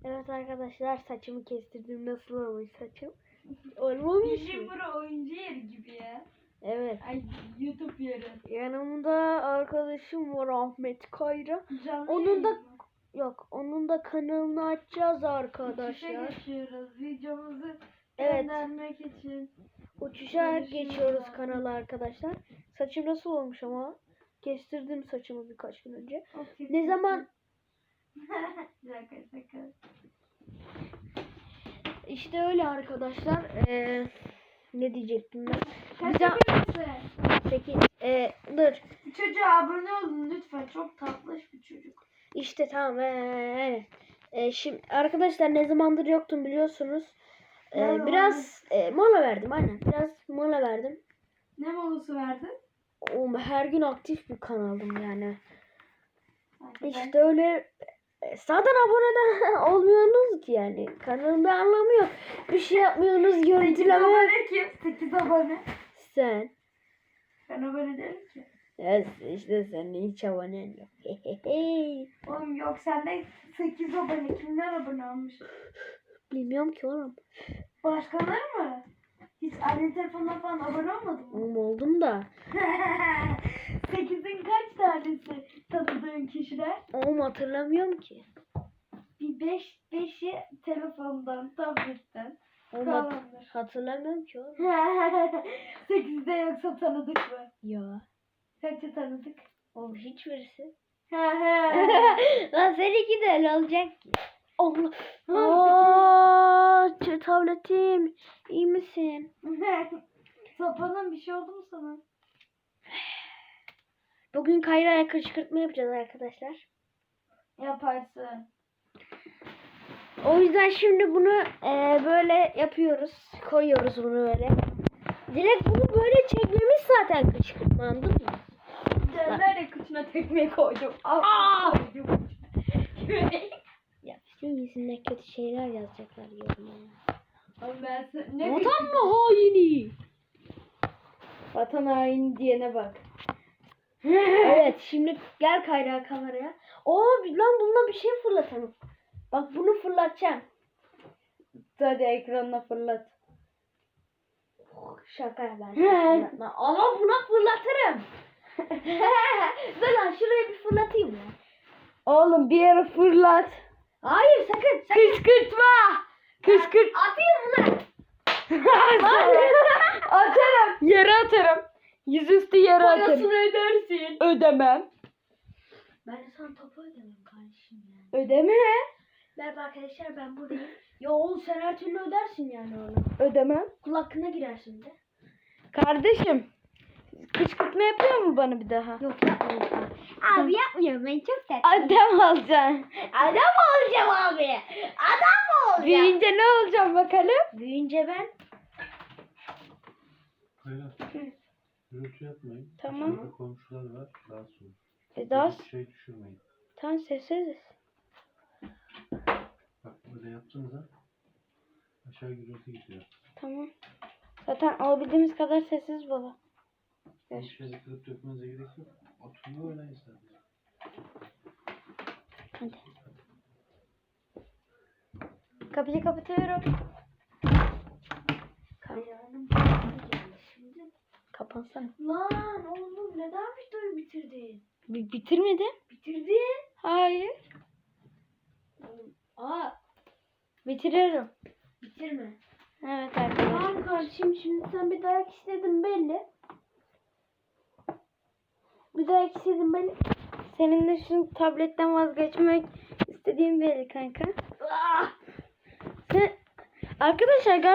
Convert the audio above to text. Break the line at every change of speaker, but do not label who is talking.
Evet arkadaşlar, saçımı kestirdim. Nasıl olmuş saçım? Olmamış
Bizim
mı?
bura oyuncu yeri gibi ya.
Evet.
Ay YouTube yeri.
Yanımda arkadaşım var, Ahmet Kayra.
Canlı
Onun
yayın
da
mı?
yok. Onun da kanalını açacağız
Uçuşa
arkadaşlar.
geçiyoruz. Videomuzu
Evet.
göndermek için.
Uçuşa
Görüşürüz
geçiyoruz
abi.
kanala arkadaşlar. Saçım nasıl olmuş ama? Kestirdim saçımı birkaç gün önce.
Okay.
Ne zaman?
Şaka.
İşte öyle arkadaşlar. Ne diyecektim ben?
Kaç
Bir
yapıyorsun?
8. Dur.
Çocuğa abone olun lütfen. Çok tatlış bir çocuk.
İşte tamam. Şimdi arkadaşlar, ne zamandır yoktum biliyorsunuz. Biraz mola verdim, aynen. Biraz mola verdim.
Ne molası verdin?
Her gün aktif bir kanaldım yani.
Hadi
İşte öyle. Zaten abone de olmuyorsunuz ki yani. Kanalın bir anlamı yok. Bir şey yapmıyorsunuz,
8
görüntüleme.
abone kim? 8 abone.
Sen.
Ben abone değilim ki.
Evet, işte senin hiç abonen yok.
Oğlum yok sende 8 abone. Kimler abone olmuş?
Bilmiyorum ki oğlum.
Başkaları mı? Hiç anne telefonuna falan abone olmadın mı?
Oğlum oldum da.
8'in kaç tanesi tanıdığın kişiler?
Oğlum hatırlamıyorum ki.
Bir 5'i telefondan, tabletten.
Oğlum
Tamamdır.
hatırlamıyorum ki oğlum.
8'de yoksa tanıdık mı?
Ya.
Kaçı tanıdık?
Oğlum hiçbirisi. Lan seninki de öyle olacak ki. Allah. Tabletim. İyi misin?
Sapanın bir şey oldu mu sana?
Bugün Kayra'ya kışkırtma yapacağız arkadaşlar.
Yaparsın.
O yüzden şimdi bunu böyle yapıyoruz. Koyuyoruz bunu böyle. Direkt bunu böyle çekmemiz zaten kışkırtma, anladın mı?
Nerede kıçına tekmeyi koydum?
Aa!
Koydum.
Ya senin yüzünden kötü şeyler yazacaklar yorumlara.
Oğlum ben ne
Vatan mı haini?
Vatan haini diyene bak.
Evet, şimdi gel Kayra kameraya. Lan bununla bir şey fırlatalım. Bak bunu fırlatacağım.
Hadi ekranına fırlat.
Şaka ben fırlatmam. Ama buna fırlatırım. Dur lan, şuraya bir fırlatayım ya.
Oğlum bir yere fırlat.
Hayır, sakın.
Kışkırtma. Kışkırt.
Atayım mı?
Atarım. Yere atarım. Yüzüstü yere atarım.
Parasını ödersin.
Ödemem.
Ben de sana topu ödemem kardeşim yani.
Ödeme.
Merhaba arkadaşlar, ben buradayım. Ya oğlum, sen her türlü ödersin yani onu.
Ödemem.
Kulakına girersin de.
Kardeşim. Kışkırtma yapıyor mu bana bir daha?
Yok, yapmıyorum. Abi yapmıyorum, ben çok tatlı.
Adam alacaksın.
Adam olacağım abi. Adam olacağım.
Büyüyünce ne olacağım bakalım?
Büyüyünce ben.
Hayır. Gürültü yapmayın.
Tamam.
Dışarıda komşular var. Rahatsız olur.
Daha
Bir şey düşürmeyin.
tam sessiz.
Bak böyle yaptığınızda aşağı gürültü gidiyor.
Tamam. Zaten alabildiğimiz kadar sessiz baba.
Hiç şey kırıp dökmenize gerek yok. Oturun oynayın sadece.
Hadi. Kapıyı kapatıyorum.
Kaynanın şimdi.
Kapansana.
Lan oğlum, neden videoyu bitirdin?
Bitirmedim.
Bitirdin.
Hayır.
Aa,
Bitiriyorum.
bitirme.
Evet arkadaşlar.
Tamam kardeşim, şimdi sen bir dayak istedin belli.
Bir daha istedim ben. Seninle şu tabletten vazgeçmek istediğim belli kanka.
Ah!
Sen... Arkadaşlar